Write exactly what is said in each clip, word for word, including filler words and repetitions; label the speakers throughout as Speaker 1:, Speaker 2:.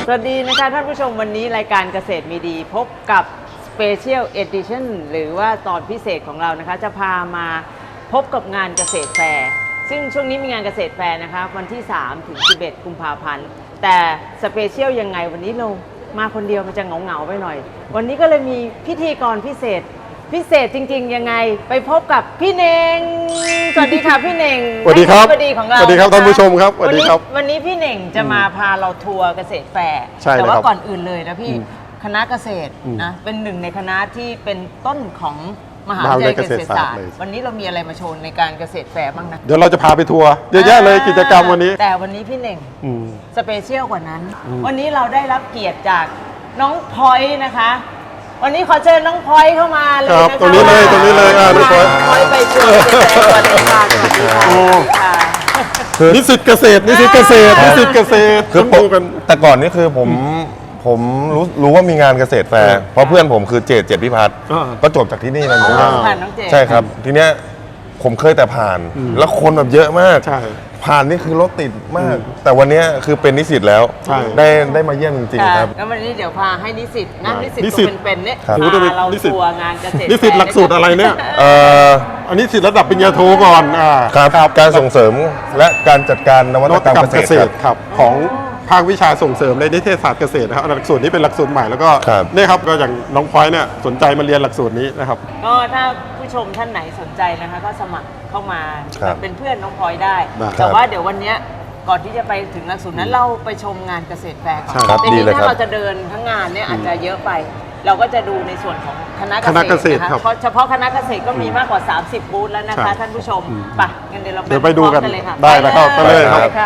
Speaker 1: วัสดีนะคะท่านผู้ชมวันนี้รายการเกษตรมีดีพบกับ Special Edition หรือว่าตอนพิเศษของเรานะคะจะพามาพบกับงานเกษตรแฟร์ซึ่งช่วงนี้มีงานเกษตรแฟร์นะคะวันที่สามถึงสิบเอ็ดกุมภาพันธ์แต่สเปเชียลยังไงวันนี้เรามาคนเดียวมันจะเหงาๆไปหน่อยวันนี้ก็เลยมีพิธีกรพิเศษพิเศษจริงๆยังไงไปพบกับพี่เน่งสวัสดีค่ะพี่เน่ง
Speaker 2: สวัสดีครับ
Speaker 1: สวัสดีของเรา
Speaker 2: สวัสดีครับท่านผู้ชมครับสวัสดีครับ
Speaker 1: วันนี้พี่เน่งจะมาพาเราทัวร์เกษตรแฟร์
Speaker 2: ใช่
Speaker 1: แต่ว่า
Speaker 2: ครับ
Speaker 1: ก่อนอื่นเลยนะพี่คณะเกษตร
Speaker 2: อืม
Speaker 1: นะเป็นหนึ่งในคณะที่เป็นต้นของมหา
Speaker 2: มหาวิ
Speaker 1: วิท
Speaker 2: ท
Speaker 1: ยาย ลัย
Speaker 2: ยาเก
Speaker 1: เก
Speaker 2: ษ
Speaker 1: ษ
Speaker 2: ต
Speaker 1: ต
Speaker 2: ร
Speaker 1: ร
Speaker 2: ศา
Speaker 1: ศา
Speaker 2: ส
Speaker 1: ส
Speaker 2: ต
Speaker 1: ต
Speaker 2: ร์
Speaker 1: ร์วันนี้เรามีอะไรมาโชว์ในการเกษตรแฟร์บ้างนะ
Speaker 2: เดี๋ยวเราจะพาไปทัวร์เยอะแยะเลยกิจกรรมวันนี้
Speaker 1: แต่วันนี้พี่เน่ง
Speaker 2: อืม
Speaker 1: สเปเชียลกว่านั้น
Speaker 2: อืม
Speaker 1: วันนี้เราได้รับเกียรติจากน้องพลอยนะคะ วันนี้ขอเชิญน้องพลอยเข้ามาเลย
Speaker 2: ครับ
Speaker 1: นะคะ
Speaker 2: ตรงนี้เลยตรงนี้เลยอ่าน้องพลอย
Speaker 1: พลอยไปทัวร์เกษตรสวัสดีค่ะสวัสดีค่ะ
Speaker 2: โอ้
Speaker 1: สวัสดีค่ะ
Speaker 2: นิสิตเกษตรนิสิตเกษตรนิสิตเกษตร
Speaker 3: คือ
Speaker 2: ต้องดูกัน
Speaker 3: แต่ก่อนนี่คือผมผมรู้รู้ว่ามีงานเกษตรแฟ
Speaker 2: เอ
Speaker 3: ร์
Speaker 2: อ
Speaker 3: เพราะเพื่อนผมคือเจตเจตพิพัฒน์
Speaker 2: อ่า
Speaker 3: ก็จบจากที่นี่นะเหมือนกัน
Speaker 2: อ่า
Speaker 1: ผ่านน้องเจ
Speaker 3: ใช่ครับ ทีเนี้ยผมเคยแต่ผ่าน
Speaker 2: อืม
Speaker 3: แล้วคนแบบเยอะมาก
Speaker 2: ใช่
Speaker 3: ผ่านนี่คือรถติดมาก แต่วันเนี้ยคือเป็นนิสิตแล้ว
Speaker 2: ใช่
Speaker 3: ได้ได้มาเยี่ยมจริงๆครับ
Speaker 1: แล้ววันนี้เดี๋ยวพาให้นิสิตนะนิสิต
Speaker 2: นิ
Speaker 1: ตั
Speaker 2: สิ
Speaker 1: ว
Speaker 2: ต
Speaker 1: เป็นๆเนี่ย
Speaker 3: ครับ
Speaker 1: พาเราทัวร์งานเกษตร
Speaker 2: นิสิตหลักสูตรอะไรเนี่ย
Speaker 3: เอ่อ
Speaker 2: อันนี้สิทธิ์ระดับปริญญาโทก่อนอ่า
Speaker 3: ครับการส่งเสริมและการจัดการนวั
Speaker 2: น
Speaker 3: ต
Speaker 2: วั
Speaker 3: ก
Speaker 2: ต
Speaker 3: รรม
Speaker 2: กรรม
Speaker 3: เก
Speaker 2: เก
Speaker 3: ษ
Speaker 2: ษ
Speaker 3: ต
Speaker 2: ต
Speaker 3: ร
Speaker 2: รครับของภาควิชาส่งเสริมในนิเทศศาสตร์เกษตรนะครับหลักสูตรนี้เป็นหลักสูตรใหม่แล้วก็
Speaker 3: ครับ
Speaker 2: เนี่ยครับก็อย่างน้องพลอยเนี่ยสนใจมาเรียนหลักสูตรนี้นะครับ
Speaker 1: ก็ถ้าผู้ชมท่านไหนสนใจนะคะก็สมัครเข้ามา
Speaker 3: ครับ
Speaker 1: เป็นเพื่อนน้องพลอยได้
Speaker 2: ได้
Speaker 1: แต่ว่าเดี๋ยววันเนี้ยก่อนที่จะไปถึงหลักสูตรนั้นเราไปชมงานเกษตรแฟร์ก่อน
Speaker 2: ใช่ครับ
Speaker 1: แต่
Speaker 3: ดี
Speaker 1: นี้
Speaker 3: เลย
Speaker 1: ถ้า
Speaker 3: ครับ
Speaker 1: เราจะเดินทั้งงานเนี่ยอาจจะเยอะไป เราก็จะดูในส่วนของคณะ
Speaker 2: คณะเกษตร
Speaker 1: นะ
Speaker 2: ครั
Speaker 1: คะ
Speaker 2: บ
Speaker 1: เพราะเฉพาะคณะเกษตรก็มีมากกว่า สามสิบ บูธแล้วนะคะ
Speaker 2: ใช่
Speaker 1: ท่านผู้ชม
Speaker 2: อืม
Speaker 1: ไปงั้นเดี๋ยวเรา
Speaker 2: เดี๋ยวไปดูกัน
Speaker 1: พร้อมเลยค่ะ
Speaker 2: ได้นะครับไปเลยครับ
Speaker 1: ไปค่ะ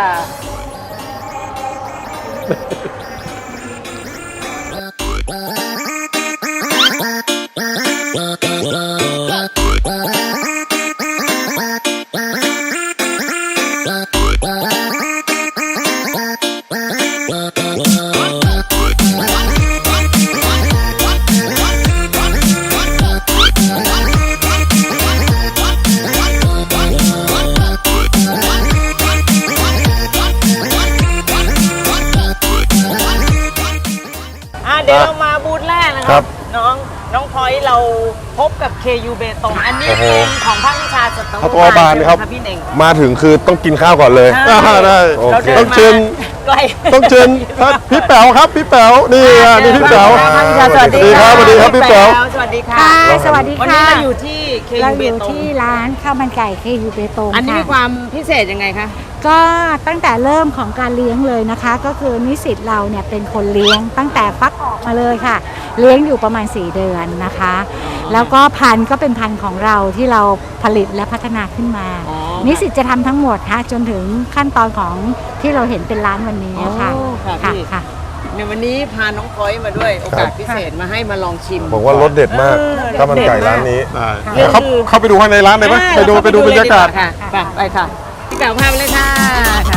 Speaker 1: อ่ะเดี๋ยวเรามาบูธแรกนะค
Speaker 3: ครั
Speaker 1: รับบ น้องน้องพลอยเราพบกับ เค ยู เบตงอันนี้
Speaker 3: โอ้โห
Speaker 1: เป็นของภาควิชาสัตว
Speaker 2: สัตวบาลครับ
Speaker 1: ใช่ไหมพี่เน่ง
Speaker 3: มาถึงคือต้องกินข้าวก่อนเลย
Speaker 2: อ่าได้
Speaker 3: โอเค
Speaker 1: เราดิน
Speaker 2: ต้องเชิญ
Speaker 1: มาไกล
Speaker 2: ต้องเชิญท่านพี่แป๋วครับพี่แป๋วนี่อ่ะนี่พี่แป๋ว
Speaker 1: สวัสดีครับ
Speaker 2: สวัสดีครับพี่แป๋ว
Speaker 1: สวัสดีค่ะ
Speaker 4: ค่ะสวัสดี
Speaker 1: วัน
Speaker 4: ค่ะ
Speaker 1: นี้เราอยู่ที่ เค
Speaker 4: เรา
Speaker 1: ยู เบ
Speaker 4: อยู่
Speaker 1: ตง
Speaker 4: ที่ร้านข้าวมันไก่เคยูเบตง
Speaker 1: อันนี้มี
Speaker 4: ค่ะ
Speaker 1: ความพิเศษยังไงคะ
Speaker 4: ก็ตั้งแต่เริ่มของการเลี้ยงเลยนะคะ ก็คือนิสิตเราเนี่ยเป็นคนเลี้ยงตั้งแต่ฟักออกมาเลยค่ะ เลี้ยงอยู่ประมาณสี่เดือนนะคะ แล้วก็พันธุ์ก็เป็นพันธุ์ของเราที่เราผลิตและพัฒนาขึ้นมา
Speaker 1: อ๋อ
Speaker 4: นิสิตจะทำทั้งหมดค่ะจนถึงขั้นตอนของที่เราเห็นเป็นร้านวันนี้ค่ะ
Speaker 1: โอ้ค่ะพี่
Speaker 4: ค่ะ
Speaker 1: ในวันนี้พาน้องพลอยมาด้วยโอกาสพิเศษมาให้มาลองชิม
Speaker 3: บอกว่ารสเด็ดมาก
Speaker 1: เออ
Speaker 3: ข้าวมันไก่ร้านนี้
Speaker 2: ได้
Speaker 1: ค่ะ
Speaker 2: เดี๋ยวเข้าเข้าไปดูข้างในร้านเลยไหม
Speaker 1: อ่
Speaker 2: ไปดูไปดูบรรยากาศ
Speaker 1: ค่ะไปไปค่ะพี่เก๋าพาไปเลยค่ะค่ะ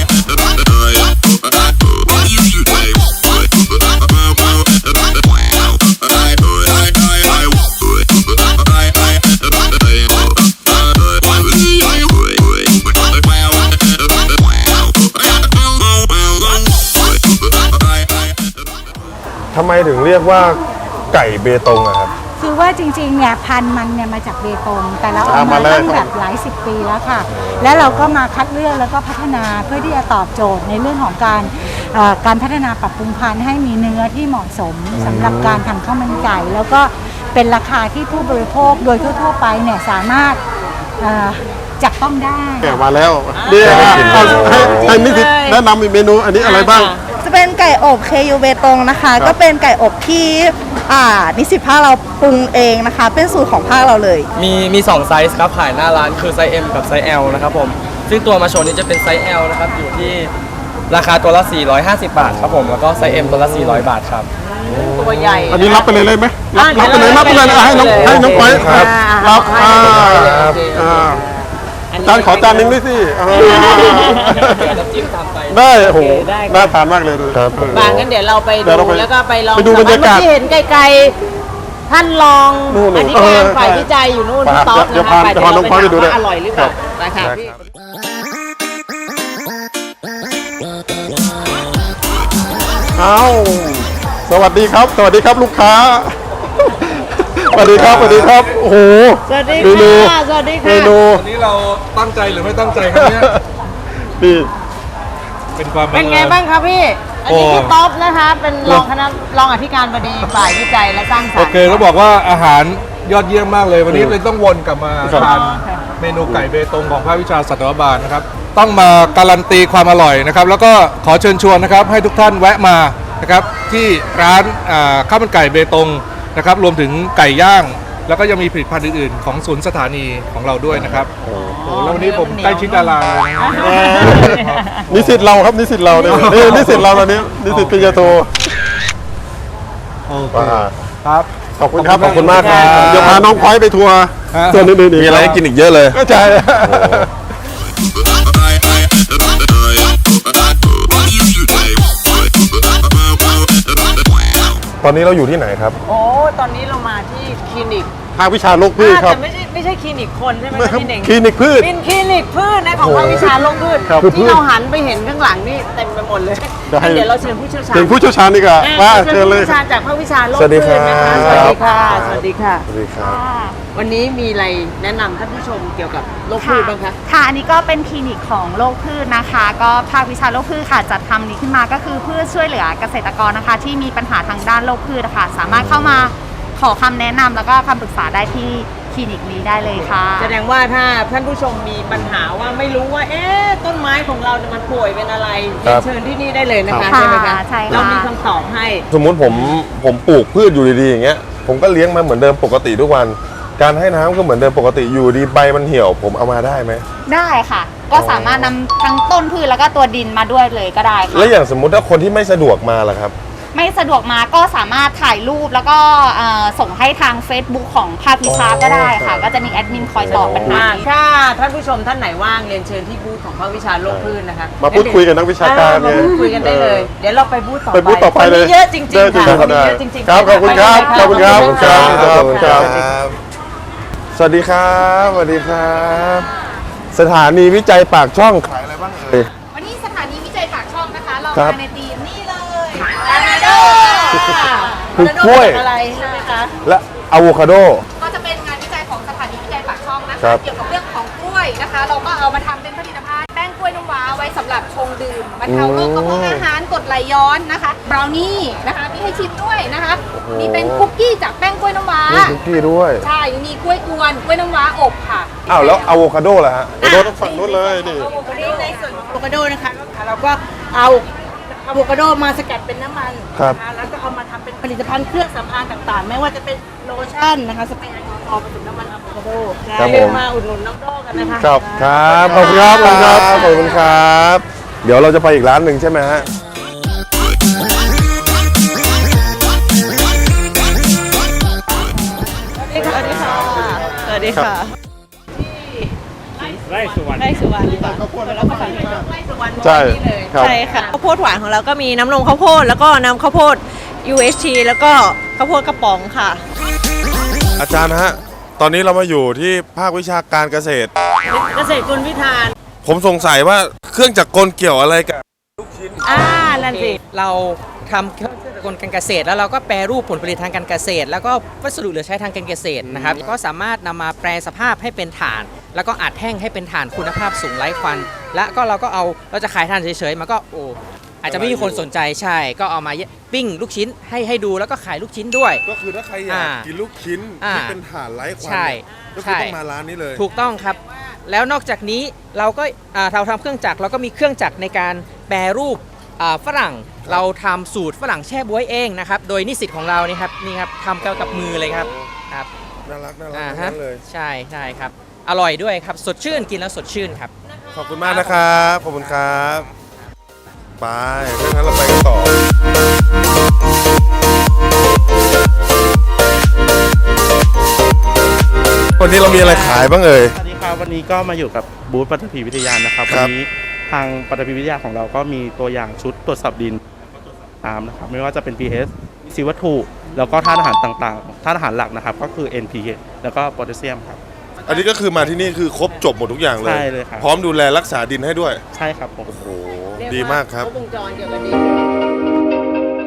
Speaker 3: ทำไมถึงเรียกว่าไก่เบตงอะครับ
Speaker 4: คือว่าจริงๆเนี่ยพันธุ์มันเนี่ยมาจากเบตงแต่เราเอา
Speaker 2: อ่า
Speaker 4: มา
Speaker 2: มาเลย
Speaker 4: ตั้งแบบหลายสิบปีแล้วค่ะ แล้วเราก็มาคัดเลือกแล้วก็พัฒนาเพื่อที่จะตอบโจทย์ในเรื่องของการเอ่อการพัฒนาปรับปรุงพันธุ์ให้มีเนื้อที่เหมาะสมสำหรับการทำข้าวมันไก่ แล้วก็เป็นราคาที่ผู้บริโภคโดยทั่วๆไปเนี่ยสามารถเอ่อจับต้องได้
Speaker 2: แกะมาแล้วเดี๋ยวเอาให้ให้นิสิตแนะนำอีกเมนูอันนี้อะไรบ้าง
Speaker 5: จะเป็นไก่อบ เค ยู เบตงนะคะ
Speaker 2: ครับ
Speaker 5: ก็เป็นไก่อบที่อ่านิสิตภาคเราปรุงเองนะคะ เป็นสูตรของภาคเราเลย
Speaker 6: มีมีสองไซส์ครับขายหน้าร้านคือไซส์ M กับไซส์ L นะครับผมซึ่งตัวมาโชว์นี้จะเป็นไซส์ L นะครับอยู่ที่ราคาตัวละ สี่ร้อยห้าสิบ บาทครับผมแล้วก็ไซส์ M ตัวละ สี่ร้อย บาทครับ
Speaker 1: ตัวใหญ่
Speaker 2: อันนี้รับไปเลยเลยไหมรับ
Speaker 1: อ่ะ
Speaker 2: รับไปเลยรับไปเลยนะให้น้องให้น้องไป
Speaker 3: ครับ
Speaker 2: รับ
Speaker 1: ให้
Speaker 2: อ่า
Speaker 1: น้องไปเลยโอเค
Speaker 2: อ่า
Speaker 1: อันนี้
Speaker 2: จานขอจานหนึงด้วยสิอ่า
Speaker 6: น้ำจิ้มตามไป
Speaker 2: ได้โอ้โห
Speaker 1: ได้ครับ
Speaker 2: น่าทานมากเลยดู
Speaker 3: ครับ
Speaker 2: เออ
Speaker 1: บางงั้นเดี๋ยวเราไป
Speaker 2: เดี๋ยวเรา
Speaker 1: ดู
Speaker 2: ไป
Speaker 1: แล้วก็ไปลอง
Speaker 2: ไปดูบรรยากาศ
Speaker 1: เมื่อกี้เห็นไกลๆท่านรอง
Speaker 2: นู่นๆ
Speaker 1: อธิการ
Speaker 2: เออ
Speaker 1: ฝ่าย
Speaker 2: ใช่
Speaker 1: วิจัยอยู่นู่น
Speaker 2: ไป
Speaker 1: พี่ต๊อก
Speaker 2: เดี๋ยว
Speaker 1: นะคะ
Speaker 2: พา
Speaker 1: ไป
Speaker 2: เดี๋ยวพาน้องพลอยไปดูด้วย
Speaker 1: ว่าอร่อยหรือเปล่า
Speaker 2: ครับ
Speaker 1: ไปค่ะ
Speaker 3: ได้
Speaker 1: พี่
Speaker 3: ครับ
Speaker 2: อ่เอาสวัสดีครับ สวัสดีครับลูกค้า สวัสดีครับ สวัสดีครับ โอ้โห
Speaker 1: สวัสดี
Speaker 2: เมนู
Speaker 1: ค่ะ สวัสดี
Speaker 2: เม
Speaker 1: ค่ะ
Speaker 2: นู
Speaker 3: วันนี้เราตั้งใจหรือไม่ตั้งใจครับเนี่ย
Speaker 2: นี่
Speaker 3: เป็นความ
Speaker 1: เป็นไงบ้างครับพี่ อันนี้พี่ต๊อบนะคะ เป็นรองคณะรองอธิการบดีฝ่ายวิจัยและสร้างสรรค์
Speaker 3: โอเคเขาบอกว่าอาหารยอดเยี่ยมมากเลย วันนี้เลยต้องวนกลับมา
Speaker 2: ครับ
Speaker 3: ทานเมนูไก่เบตงของภาควิชาสัตวบาลนะครับ ต้องมาการันตีความอร่อยนะครับ แล้วก็ขอเชิญชวนนะครับ ให้ทุกท่านแวะมานะครับที่ร้านอ่าข้าวมันไก่เบตงนะครับ รวมถึงไก่ย่าง แล้วก็ยังมีผลิตภัณฑ์อื่นๆ ของศูนย์สถานีของเราด้วยนะครับโอ้โหแล้ววันนี้ผมใกล้ชิดดาราเลยนะ
Speaker 2: เอ่อนิสิตเราครับนิสิตเราเนี่ยนี่นิสิตเราตอนนี้นิสิตปริญญาโท
Speaker 3: โอเค
Speaker 2: ว่า
Speaker 3: ครับ
Speaker 2: ขอบคุณครับ
Speaker 3: ขอบคุณมากครับ
Speaker 2: เดี๋ยวพาน้องพลอยไปทัวร์
Speaker 3: ฮะ
Speaker 2: ส่วนอื่นๆอีก
Speaker 3: มีอะไรให้กินอีกเยอะเลย
Speaker 2: ก็ใช่
Speaker 3: ตอนนี้เราอยู่ที่ไหนครับ
Speaker 1: โอ้ ตอนนี้เรามาที่คลินิก
Speaker 2: ภาควิชาโรคพืชครับ
Speaker 1: แต่ไม่ใช่ไม่ใช่คลินิกคนใช่ไหม
Speaker 2: ไม่
Speaker 1: คะ
Speaker 2: ครับ
Speaker 1: พี่เน่ง
Speaker 2: คลินิกพืช
Speaker 1: เป็นคลินิกพืชนะของภาควิชาโรคพืช
Speaker 2: ครับ
Speaker 1: ที่เราหันไปเห็นข้างหลังนี่เต็มไปหมดเลย
Speaker 2: จะให้
Speaker 1: เดี๋ยวเราเชิญผู้เชี่ยวชาญ
Speaker 2: ถึงผู้เชี่ยวชาญดีกว่า
Speaker 1: อ่
Speaker 2: ว่า
Speaker 1: เชิ
Speaker 2: เชิ
Speaker 1: ญ
Speaker 2: ญ
Speaker 1: ผู้
Speaker 2: เลย
Speaker 1: เชี่ยวชาญจากภาควิชาโรค
Speaker 3: สวัสดี
Speaker 1: พืชนะคะ
Speaker 3: ค
Speaker 1: ส
Speaker 3: รับ
Speaker 1: วัสดีค่ะ สวัสดีค่ะ
Speaker 3: สวัสดีครับ
Speaker 1: วันนี้มีอะไรแนะนำท่านผู้ชมเกี่ยวกับโรคพืชบ้างคะ
Speaker 5: ค่ะ อันนี้ก็เป็นคลินิกของโรคพืชนะคะ ก็ภาควิชาโรคพืชค่ะจัดทำนี้ขึ้นมาก็คือเพื่อช่วยเหลือเกษตรกรนะคะ ที่มีปัญหาทางด้านโรคพืชนะคะสามารถเข้ามาขอคำแนะนำแล้วก็คำปรึกษาได้ที่คลินิกนี้ได้เลยค่ะ
Speaker 1: แสดงว่าถ้าท่านผู้ชมมีปัญหาว่าไม่รู้ว่า เอ๊ะต้นไม้ของเราเนี่ยมันป่วยเป็นอะไร
Speaker 3: ครั
Speaker 1: เรีย
Speaker 3: บ
Speaker 1: นเชิญที่นี่ได้เลยนะคะ
Speaker 5: ค่ะ
Speaker 1: ใช่ไหมคะ
Speaker 5: ใช่ค่ะ
Speaker 1: เรามีคำตอบให้
Speaker 3: สมมุติผมผมปลูกพืชอยู่ดีๆอย่างเงี้ยผมก็เลี้ยงมาเหมือนเดิมปกติทุกวัน การให้น้ำก็เหมือนเดิมปกติอยู่ดีใบมันเหี่ยว ผมเอามาได้ไหม
Speaker 5: ได้ค่ะ ก็สามารถนำทั้งต้นพืชแล้วก็ตัวดินมาด้วยเลยก็ได้ค่ะ
Speaker 3: แล้วอย่างสมมุติถ้าคนที่ไม่สะดวกมาล่ะครับ
Speaker 5: ไม่สะดวกมาก็สามารถถ่ายรูปแล้วก็เอ่อส่งให้ทาง Facebook ของภาควิชาก็ได้ค่ะ ก็จะมีแอดมินคอยตอบปัญหา
Speaker 1: ถ้าท่านผู้ชมท่านไหนว่างเรียนเชิญที่บูธของภาควิชาโรคพืชนะคะ
Speaker 2: มาพูดคุยกับนักวิชาการ
Speaker 1: เออมาพูดคุยกันได้เลย เดี๋ยวเราไปบูธต่อไป
Speaker 2: ไปบูธต่อไปเลย
Speaker 1: วันนี้เยอะจริง
Speaker 2: เยอะ
Speaker 1: ๆ
Speaker 2: จริง
Speaker 1: ค่ะ
Speaker 2: ครับ
Speaker 1: วันนี้เยอะจริงๆ
Speaker 2: ครับขอบคุณครับ
Speaker 1: ไปเลยะ
Speaker 2: ขอบคุณครับ
Speaker 1: ขอบคุณครับ
Speaker 2: ขอบคุณครับ
Speaker 3: สวัสดีครับสวัสดีครับ สถานีวิจัยปากช่องขายอะไรบ้างเอ่ย
Speaker 5: วันนี้สถานีวิจัยปากช่องนะคะ เรา
Speaker 3: ครับ
Speaker 5: มาในทีมนี่เลย
Speaker 1: ลานาโด
Speaker 3: คือกล้วย
Speaker 1: อะไรใช่ไหมคะ
Speaker 3: และอะโวคาโด
Speaker 5: ก็จะเป็นงานวิจัยของสถานีวิจัยปากช่องนะ
Speaker 3: ครั
Speaker 5: คะ
Speaker 3: บ
Speaker 5: เกี่ยวกับเรื่องของกล้วยนะคะ เราก็เอามาทำเป็นผลิตภัณฑ์แป้งกล้วยน้ำว้าไว้สำหรับชงดื่มบรรเทาโรคกระเพาะอาหารกรดไหลย้อนนะคะบราวนี่นะคะมีให้ชิมด้วยนะคะ มีเป็นคุกกี้จากแป้งกล้วยน้ำว้า
Speaker 3: มีคุกกี้ด้วย
Speaker 5: ใช่มีกล้วยกวนกล้วยน้ำว้าอบค่ะ
Speaker 3: อ้าวแล้วอะโวคาโดล่ะฮะ
Speaker 2: โดนฝั่งนู้นเลยนี่
Speaker 1: อะโวคาโดในส่วนของอะโวคาโดนะคะเราก็เอาอะโวคาโดมาสกัดเป็นน้ำมัน
Speaker 3: ครับ
Speaker 1: นะคะแล้วก็เอามาทำเป็นผลิตภัณฑ์เครื่องสำอางต่างๆ ไม่ว่าจะเป็นโลชั่นนะคะสเปรย์แอลกอฮอล์ผสมน้ำมันอะโวคาโด
Speaker 3: ครับ
Speaker 1: เรีย
Speaker 3: ผ
Speaker 1: ก
Speaker 3: ม
Speaker 1: มาอุดหนุนน้องโดกันนะคะ
Speaker 3: ครับครับขอบคุณครับขอบคุณครับขอบคุณครับ เดี๋ยวเราจะไปอีกร้านหนึ่งใช่ไหมฮะ
Speaker 1: สวัสดีค่ะ สวัสดีค่ะ
Speaker 7: ไร่สุวรรณ
Speaker 8: ไร่สุวรรณค่ะ
Speaker 2: ใช่ครับ
Speaker 8: ใช่ค่ะข้าวโพดหวานของเราก็มีน้ำนมข้าวโพดแล้วก็น้ำข้าวโพด ยู เอช ที แล้วก็ข้าวโพดกระป๋องค่ะ
Speaker 3: อาจารย์ฮะ ตอนนี้เรามาอยู่ที่ภาควิชาการเกษตร
Speaker 1: เกษตรกลวิธาน
Speaker 3: ผมสงสัยว่าเครื่องจักรกลเกี่ยวอะไรกับ
Speaker 1: อ่า นั่นสิ
Speaker 7: เราทำเครื่องกลการเกษตร แล้วเราก็แปรรูปผลผลิตทางการเกษตร แล้วก็วัสดุเหลือใช้ทางการเกษตรนะครับก็สามารถนำมาแปรสภาพให้เป็นถ่าน แล้วก็อัดแห้งให้เป็นถ่านคุณภาพสูงไร้ควัน และก็เราก็เอาเราจะขายถ่านเฉยๆมันก็โอ้อาจจะไม่มีคนสนใจใช่ ก็เอามาปิ้งลูกชิ้นให้ให้ดูแล้วก็ขายลูกชิ้นด้วย
Speaker 3: ก็คือถ้าใครอยาก
Speaker 7: อ่า
Speaker 3: กินลูกชิ้น
Speaker 7: อ่า
Speaker 3: ที่เป็นถ่านไร้ควัน
Speaker 7: ใช่
Speaker 3: เนี่ยก็คือ
Speaker 7: ใช่
Speaker 3: ต้องมาร้านนี้เลย
Speaker 7: ถูกต้องครับ แล้วนอกจากนี้เราก็อ่าเราทำเครื่องจักรเราก็มีเครื่องจักรในการแปรรูปอ่าฝรั่งเราทำสูตรฝรั่งแช่บ๊วยเองนะครับโดยนิสิตของเรานี่ครับนี่ครับทำกับมือเลยครับครับ
Speaker 3: น่ารักน่ารัก
Speaker 7: อ่า
Speaker 3: ทั้ง
Speaker 7: ฮะ
Speaker 3: นั้นเลย
Speaker 7: ใช่ใช่ครับอร่อยด้วยครับสดชื่นกินแล้วสดชื่นครับ
Speaker 3: ขอบคุณมากนะครับ ขอบคุณครับ ไปถ้างั้นเราไปกันต่อ วันนี้เรามีอะไรขายบ้างเอ่ย
Speaker 9: สวัสดีครับวันนี้ก็มาอยู่กับบูธปฐพีวิทยานะครับ
Speaker 3: ค
Speaker 9: วั
Speaker 3: รั
Speaker 9: น
Speaker 3: บ
Speaker 9: นี้ทางปฐพีวิทยาของเราก็มีตัวอย่างชุดตรวจสอบดินน้ำนะครับไม่ว่าจะเป็น พี เอช สีวัตถุ แล้วก็ธาตุอาหารต่างๆธาตุอาหารหลักนะครับก็คือ เอ็น พี เค แล้วก็โพแทสเซียมครับ
Speaker 3: อันนี้ก็คือมาที่นี่คือครบจบหมดทุกอย่างเลย
Speaker 9: ใช่เลยครับ
Speaker 3: พร้อมดูแลรักษาดินให้ด้วย
Speaker 9: ใช่ครับผม
Speaker 3: โอ้โห ดีมากครับ
Speaker 1: ครบวงจรเกี่ยวกับดิน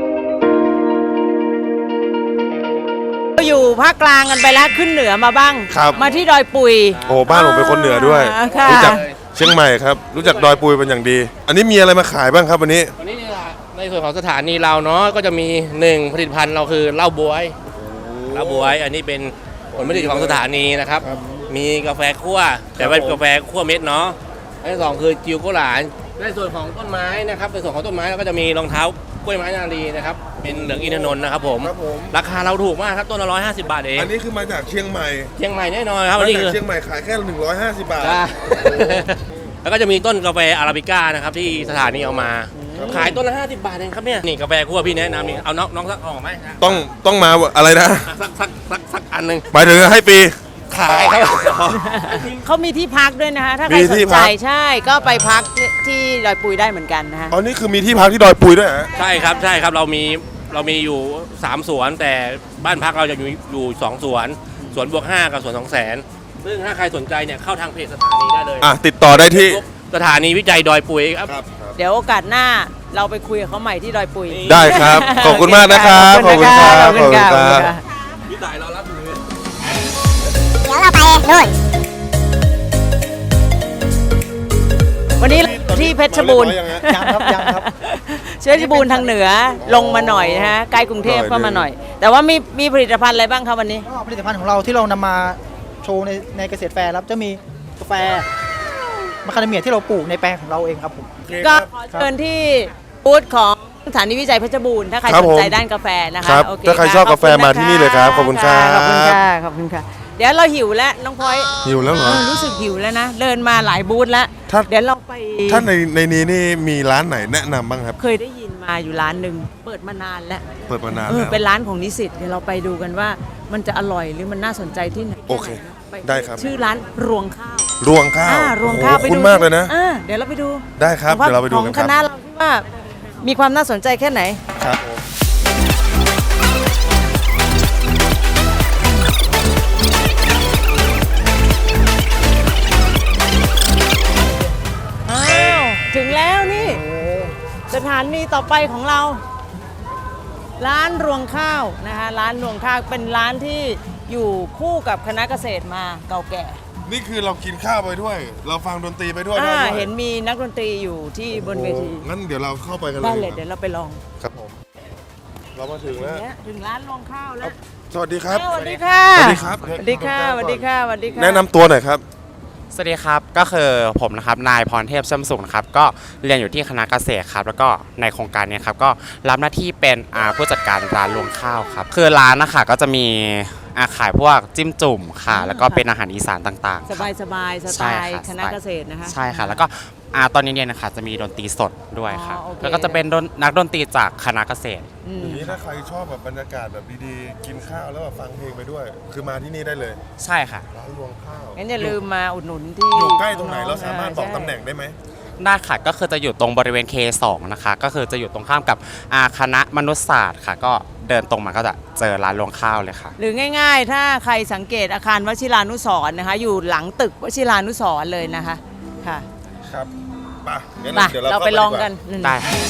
Speaker 1: ภาคกลางกันไปแล้วขึ้นเหนือมาบ้าง
Speaker 10: ครับ
Speaker 1: มาที่ดอยปุย
Speaker 10: โอ้บ้านผมเป็นคนเหนือด้วย
Speaker 1: อ่าค่ะ
Speaker 10: รู้จักเชียงใหม่ครับ รู้จักดอยปุยเป็นอย่างดี อันนี้มีอะไรมาขายบ้างครับวันนี้
Speaker 11: วันนี้ในส่วนของสถานีเราเนาะก็จะมีหนึ่งผลิตภัณฑ์เราคือเหล้าบวยเหล้าบวย อันนี้เป็นผลผลิตของสถานีนะครับ มีกาแฟคั่วแต่เป็นกาแฟคั่วเม็ดเนาะอันที่สองคือจิวโกหลานในส่วนของต้นไม้นะครับในส่วนของต้นไม้เราก็จะมีรองเท้ากล้วยไม้นารีนะครับเป็นเหลืองอินทนนท์นะครับผมราคาเราถูกมากครับต้นละร้อยห้าสิบบาทเอง
Speaker 10: อันนี้คือมาจากเชียงใหม่
Speaker 11: เชียงใหม่แน่นอนครับ
Speaker 10: มา
Speaker 11: อันนี้
Speaker 10: จา
Speaker 11: คื
Speaker 10: ก
Speaker 11: อ
Speaker 10: เชียงใหม่ขายแค่หนึ่งร้อยห้าสิบบาท
Speaker 11: ใช่ แล้วก็จะมีต้นกาแฟอาราบิก้านะครับที่สถานีเอามาขายต้นละห้าสิบบาทเองครับเนี่ยนี่กาแฟคั่วพี่แนะนำนี่เอาน้องน้องสักออกไหม
Speaker 10: ต้องต้องมาอะไรนะ
Speaker 11: สักสักสักสักอันหนึ่ง
Speaker 10: หมายถึงให้ฟรี
Speaker 11: ขายครับ
Speaker 1: เขามีที่พักด้วยนะคะถ้าใคร
Speaker 10: มี
Speaker 1: ส
Speaker 10: ที่
Speaker 1: น
Speaker 10: พั
Speaker 1: ใจ
Speaker 10: ก
Speaker 1: ใช่ก็ไปพักที่ดอยปุยได้เหมือนกันนะคะ
Speaker 10: อ๋อนี่คือมีที่พักที่ดอยปุยด้วยฮะ
Speaker 11: ใช่ครับใช่ครับเรามีเรามีอยู่สามสวนแต่บ้านพักเราจะอยู่อยู่สองสวนสวนบวกห้ากับสวนสองแสนซึ่งถ้าใครสนใจเนี่ยเข้าทางเพจสถานีได้เลย
Speaker 10: อ่ะติดต่อได้ที่
Speaker 11: สถานีวิจัยดอยปุยครับ
Speaker 1: เดี๋ยวโอกาสหน้าเราไปคุยกับเขาใหม่ที่ดอยปุย
Speaker 10: ได้ครับขอบคุณมากนะครับ
Speaker 1: ขอบคุณครับ
Speaker 10: ข
Speaker 1: ข
Speaker 10: อ
Speaker 1: อ
Speaker 10: บบ คุ
Speaker 1: คุณ ณ
Speaker 10: ค
Speaker 1: ค
Speaker 10: รั
Speaker 1: รับ บ
Speaker 11: พี่ต่ายเรารับอยู่
Speaker 12: เดี๋ยวเราไปนู่น
Speaker 1: วันนี้ที่เพชรบูรณ์
Speaker 13: ยังครับยังครับ
Speaker 1: เพชรบูรณ์ทางเหนือลงมาหน่อยนะฮะใกล้กรุงเทพก็มาหน่อย แต่ว่ามีมีผลิตภัณฑ์อะไรบ้างครับวันนี้
Speaker 13: ก็ผลิตภัณฑ์ของเราที่เรานำมาโชว์ในในเกษตรแฟร์ครับจะมีกาแฟมะคาเดเมียที่เราปลูกในแปลงของเราเองครับผม
Speaker 1: ก็ขอเชิญที่บูธของสถานีวิจัยเพชรบูรณ์ถ้าใคร
Speaker 10: ครับ
Speaker 1: สนใจ
Speaker 10: ผม
Speaker 1: ด้านกาแฟนะคะ
Speaker 10: ครับ
Speaker 1: โเค
Speaker 10: ถ้าใครชอบกาแฟ
Speaker 1: ขณ
Speaker 10: มาที่นี่เลยครับขอบคุณครับ
Speaker 1: ขอบคุณค่ะขอบคุณค่ะ เดี๋ยวเราหิวแล้วน้องพลอย
Speaker 10: หิวแล้วเหรอ
Speaker 1: เออรู้สึกหิวแล้วนะเดินมาหลายบูธแล้ว
Speaker 10: ถ้า
Speaker 1: เดี๋ยวเราไป
Speaker 10: ถ้าในในนี้นี่มีร้านไหนแนะนำบ้างครับ
Speaker 1: เคยได้ยินมาอยู่ร้านหนึ่งเปิดมานานแล้ว
Speaker 10: เปิดมานาน
Speaker 1: เออ
Speaker 10: แล้ว
Speaker 1: เป็นร้านของนิสิตเดี๋ยวเราไปดูกันว่ามันจะอร่อยหรือมันน่าสนใจที่ไหน
Speaker 10: โอเค
Speaker 1: ไป
Speaker 10: ได้ครับ
Speaker 1: ชื่อร้านรวงข้าว
Speaker 10: รวงข้าว
Speaker 1: อ่ารวงข้าว
Speaker 10: โอ้
Speaker 1: ไป
Speaker 10: โห
Speaker 1: ดู
Speaker 10: คุ้นมากเลยนะ
Speaker 1: อ่าเดี๋ยวเราไปดู
Speaker 10: ได้ครับ
Speaker 1: ของ
Speaker 10: เดี๋ยวเราไปดู
Speaker 1: ของ
Speaker 10: กัน
Speaker 1: ค
Speaker 10: ครับ
Speaker 1: ณะเราว่ามีความน่าสนใจแค่ไหน
Speaker 10: ครับผม
Speaker 1: อ้าวถึงแล้วนี่สถานีต่อไปของเรา ร้านรวงข้าวนะคะร้านรวงข้าวเป็นร้านที่อยู่คู่กับคณะเกษตรมาเก่าแก่
Speaker 10: นี่คือเรากินข้าวไปด้วย เราฟังดนตรีไปด้วย
Speaker 1: อ่า
Speaker 10: ได้ด้วย
Speaker 1: เห็นมีนักดนตรีอยู่ที่บนเวที
Speaker 10: โอ้งั้นเดี๋ยวเราเข้าไปกันเลย
Speaker 1: ได้เลยเดี๋ยวเราไปลอง
Speaker 10: ครับผม เรามาถึงแล้ว
Speaker 1: เนี่ยถึงร้านรวงข้าวแล้ว
Speaker 10: สวัสดีครับ
Speaker 1: สวัสดีค่ะ
Speaker 10: สวัสดีครับ
Speaker 1: สวัสดีค่ะสวัสดีค่ะสวัสดีค่ะ
Speaker 10: แนะนำตัวหน่อยครับ
Speaker 14: สวัสดีครับก็คือผมนะครับนายพรเทพเชื่อมสุขนะครับก็เรียนอยู่ที่คณะเกษตรครับแล้วก็ในโครงการเนี้ครับก็รับหน้าที่เป็นอ่าผู้จัดการร้านรวงข้าวครับคือร้านนะคะก็จะมีอาขายพวกจิ้มจุ่มค่ะแล้วก็เป็นอาหารอีสานต่างๆ
Speaker 1: สบายสบายๆสไต
Speaker 14: ใช่
Speaker 1: ล์
Speaker 14: ค่ะ
Speaker 1: คณะเกษตรนะคะ
Speaker 14: ใช่ค่ะแล้วก็อ่าตอนเย็นๆนะคะจะมีดนตรีสดด้วยค่ะ
Speaker 1: อ๋อโอเค
Speaker 14: แล้วก็จะเป็นดนนักดนตรีจากคณะเกษตร
Speaker 1: อืม
Speaker 10: อย่างนี้ถ้าใครชอบแบบบรรยากาศแบบดีๆ กินข้าวแล้วแบบฟังเพลงไปด้วย คือมาที่นี่ได้เลย
Speaker 14: ใช่ค่ะ
Speaker 10: ร้านรวงข้าว
Speaker 1: งั้นอย่าลืมมาอุดหนุนที่
Speaker 10: อยู่ใกล้ตรงไหนเราสามารถบอก
Speaker 1: ใช่
Speaker 10: ตำแหน่งได้ไหม
Speaker 14: ได้ค่ะก็คือจะอยู่ตรงบริเวณ เค สอง นะคะก็คือจะอยู่ตรงข้ามกับอาคณะมนุษยศาสตร์ค่ะ ก็เดินตรงมาก็จะเจอร้านรวงข้าวเลยค่ะ
Speaker 1: หรือง่ายๆ ถ้าใครสังเกตอาคารวชิรานุสรณ์นะคะ อยู่หลังตึกวชิรานุสรณ์เลยนะคะค่ะ
Speaker 10: ครับไปงั้น
Speaker 1: ไป
Speaker 10: เดี๋ยว
Speaker 1: เรา
Speaker 10: เรา
Speaker 1: ไป
Speaker 10: เข้า
Speaker 1: ลอง
Speaker 10: ดีว่า
Speaker 1: กัน
Speaker 14: ได้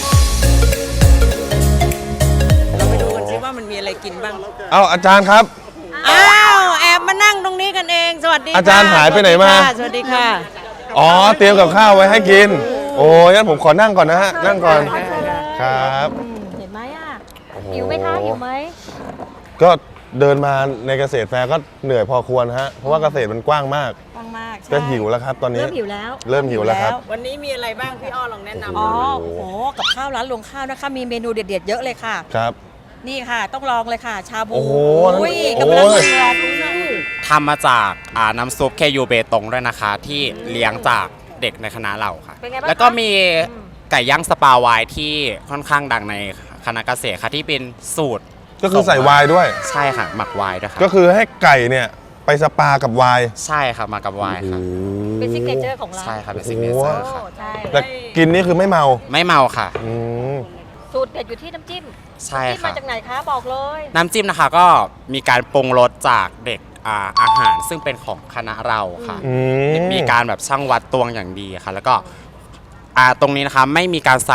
Speaker 1: เราไปดูกันซิว่ามันมีอะไรกินบ้าง
Speaker 10: เอาอาจารย์ครับ
Speaker 1: อ้าวแอบมานั่งตรงนี้กันเองสวัสดีค่ะ
Speaker 10: อาจารย์หายไปไหนมา
Speaker 1: สวัสดีค่ะ
Speaker 10: อ๋อ เตรียมกับข้าวไว้ให้กิน โอ้ยงั้นผมขอนั่งก่อนนะฮะ นั่งก่อน ครับ
Speaker 12: เห็นไหมอ่ะ
Speaker 10: โอ้โห
Speaker 12: หิวไหมคะหิวไหม
Speaker 10: ก็เดินมาในเกษตรแฟร์ก็เหนื่อยพอควรฮะ เพราะว่าเกษตรมันกว้างมาก
Speaker 12: ฟังมากใช่
Speaker 10: ก็หิวแล้วครับตอนนี้
Speaker 12: เริ่มหิวแล้ว
Speaker 10: เริ่มหิวแล้วครับ
Speaker 1: วันนี้มีอะไรบ้างพี่อ้อลองแนะนำ
Speaker 12: อ๋อ
Speaker 1: หน่อย
Speaker 12: โอ้โห กับข้าวร้านรวงข้าวนะคะ มีเมนูเด็ดๆเยอะเลยค่ะ
Speaker 10: ครับ
Speaker 12: นี่ค่ะ ต้องลองเลยค่ะ ชาบู
Speaker 10: โอ้โห
Speaker 12: อุ้ย
Speaker 10: โอ้
Speaker 12: กำลัง
Speaker 10: โอ้ย
Speaker 12: เดือดดูสิ
Speaker 14: ทำมาจากอ่าน้ำซุป เค ยู เบตงด้วยนะคะ ที่เลี้ยงจากเด็กในคณะเราค่ะ
Speaker 12: เป็นไงบ้างคะ
Speaker 14: แล้วก็มีไก่ย่างสปาวายที่ค่อนข้างดังในคณะเกษตรค่ะที่เป็นสูตร
Speaker 10: ก็คือใส่ไวน์ด้วย
Speaker 14: ใช่ค่ะ หมักไวน์ด้วยค่ะ
Speaker 10: ก็คือให้ไก่เนี่ยไปสปากับไวน์
Speaker 14: ใช่ค่ะมากับไวน์ค่ะ
Speaker 12: เป็นซิกเนเจอร์ของร้าน
Speaker 14: ใช่ค่ะเป็นซิกเนเจอร์ค่ะ
Speaker 12: โอ้ใช่
Speaker 10: แต่กินนี่คือไม่เมา
Speaker 14: ไม่เมาค่ะ
Speaker 10: อืม
Speaker 12: สูตรเด็ดอยู่ที่น้ำจิ้ม
Speaker 14: ใช่
Speaker 12: น้ำจิ้ม
Speaker 14: ค่ะ
Speaker 12: มาจากไหนคะบอกเลย
Speaker 14: น้ำจิ้มนะคะก็มีการปรุงรสจากเด็กอ่าอาหารซึ่งเป็นของคณะเราค่ะ
Speaker 10: อืม
Speaker 14: มีการแบบช่างวัดตวงอย่างดีค่ะ แล้วก็อ่าตรงนี้นะคะไม่มีการใส่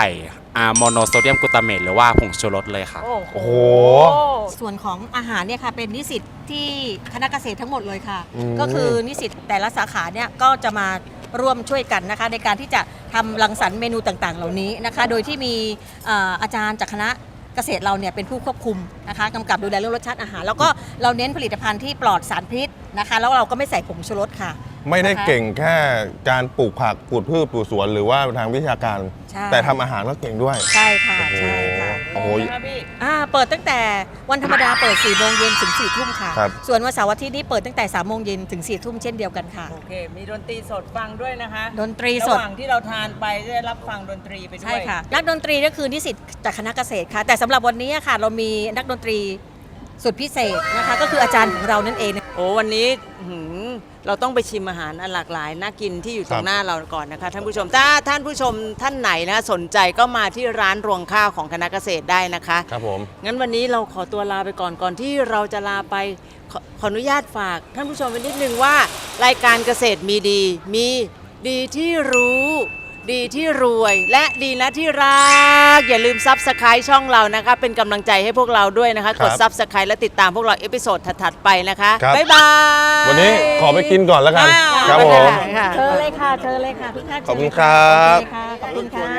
Speaker 14: อ่าโมโนโซเดียมกลูตาเมตหรือว่าผงชูรสเลยครับ
Speaker 10: โอ้โห
Speaker 12: ส่วนของอาหารเนี่ยค่ะเป็นนิสิตที่คณะเกษตรทั้งหมดเลยค่ะ
Speaker 10: อืม
Speaker 12: ก็คือนิสิตแต่ละสาขาเนี่ยก็จะมาร่วมช่วยกันนะคะในการที่จะทำรังสรรค์เมนูต่างๆ เหล่านี้นะคะ โดยที่มีเอ่ออาจารย์จากคณะเกษตรเราเนี่ยเป็นผู้ควบคุมนะคะกำกับดูแลเรื่องรสชาติอาหาร แล้วก็เราเน้นผลิตภัณฑ์ที่ปลอดสารพิษนะคะแล้วเราก็ไม่ใส่ผงชูรสค่ะ
Speaker 10: ไม่ได้
Speaker 12: นะคะ
Speaker 10: เก่งแค่การปลูกผักปลูกพืชปลูกสวนหรือว่าทางวิชาการ
Speaker 12: ใช่
Speaker 10: แต่ทำอาหารก็เก่งด้วย
Speaker 12: ใช่ค่ะใช่ค่ะ
Speaker 10: โอ้โห
Speaker 12: อ่าเปิดตั้งแต่วันธรรมดาเปิด4ี่โมงเย็นถึง4ี่ทุ่มค่ะ
Speaker 10: ครับ
Speaker 12: ส่วนวันเสาร์อาทิตย์นี้เปิดตั้งแต่3ามโมงเย็นถึง4ี่ทุ่มเช่นเดียวกันค่ะ
Speaker 1: โอเค มีดนตรีสดฟังด้วยนะคะ
Speaker 12: ดนตรีสด
Speaker 1: ระหว่างที่เราทานไปจะได้รับฟังดนตรีไปด้วย
Speaker 12: ใช่ค่ะ นักดนตรีก็คือนิสิตจากคณะเกษตรค่ะ แต่สำหรับวันนี้ค่ะ เรามีนักดนตรีสุดพิเศษนะคะ ก็คืออาจารย์ของเรานั่นเอง
Speaker 1: โอ้วันนี้อื้อหือเราต้องไปชิมอาหารอันหลากหลายน่ากินที่อยู่ตรงหน้าเราก่อนนะคะท่านผู้ชมถ้าท่านผู้ชมท่านไหนนะสนใจก็มาที่ร้านรวงข้าวของคณะเกษตรได้นะคะ
Speaker 10: ครับผม
Speaker 1: งั้นวันนี้เราขอตัวลาไปก่อนก่อนที่เราจะลาไปขอขออนุญาตฝากท่านผู้ชมไว้นิดนึงว่ารายการเกษตรมีดี มีดีที่รู้ ดีที่รวยและดีนะที่รัก อย่าลืมซับสไครต์ช่องเรานะคะ เป็นกำลังใจให้พวกเราด้วยนะคะ
Speaker 10: ครั
Speaker 1: ก
Speaker 10: บ
Speaker 1: ดซับสไครต์และติดตามพวกเราเอพิโซดถัดๆไปนะคะ
Speaker 10: ครับ
Speaker 1: บ๊ายบาย
Speaker 10: วันนี้ขอไปกินก่อนแล้วกัน ครับผม
Speaker 12: เชิญเลยค่ะ เชิญเลยค่ะทุกท่าน
Speaker 10: ขอบคุณครับ
Speaker 12: เชิญเลยค่ะขอบคุณค่ะ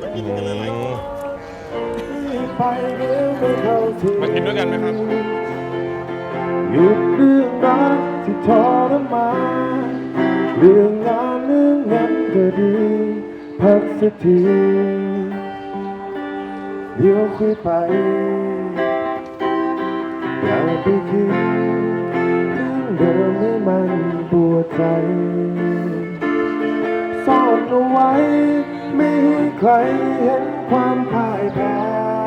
Speaker 10: มากินด้วยกันไหมครับ
Speaker 15: หยุดเรื่องรักที่ทรมานเรื่องงานเรื่องเงินก็ดีพักสักทีเดี๋ยวคุยไปอย่าไปคิดเรื่องเดิมให้มันปวดใจซ่อนเอาไว้ไม่ให้ใครเห็นความพ่ายแพ้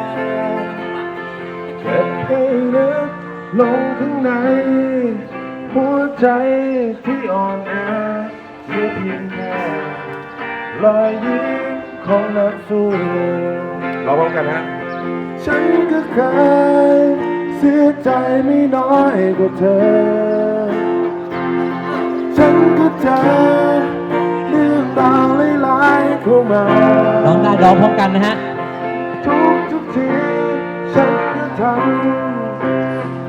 Speaker 15: เก็บให้ลึกลงข้างในหัวใจที่อ่อนแอเพียงเพียงแค่รอยยิ้มของนักสู้เราพร้อมกันฮะฉันก็เคยเสียใจไม่น้อยกว่าเธอฉันก็เจอเรื่องราวหลายๆเข้ามาร้องได้ร้องพร้อมกันนะฮะทุกทุกทีฉันก็ทำ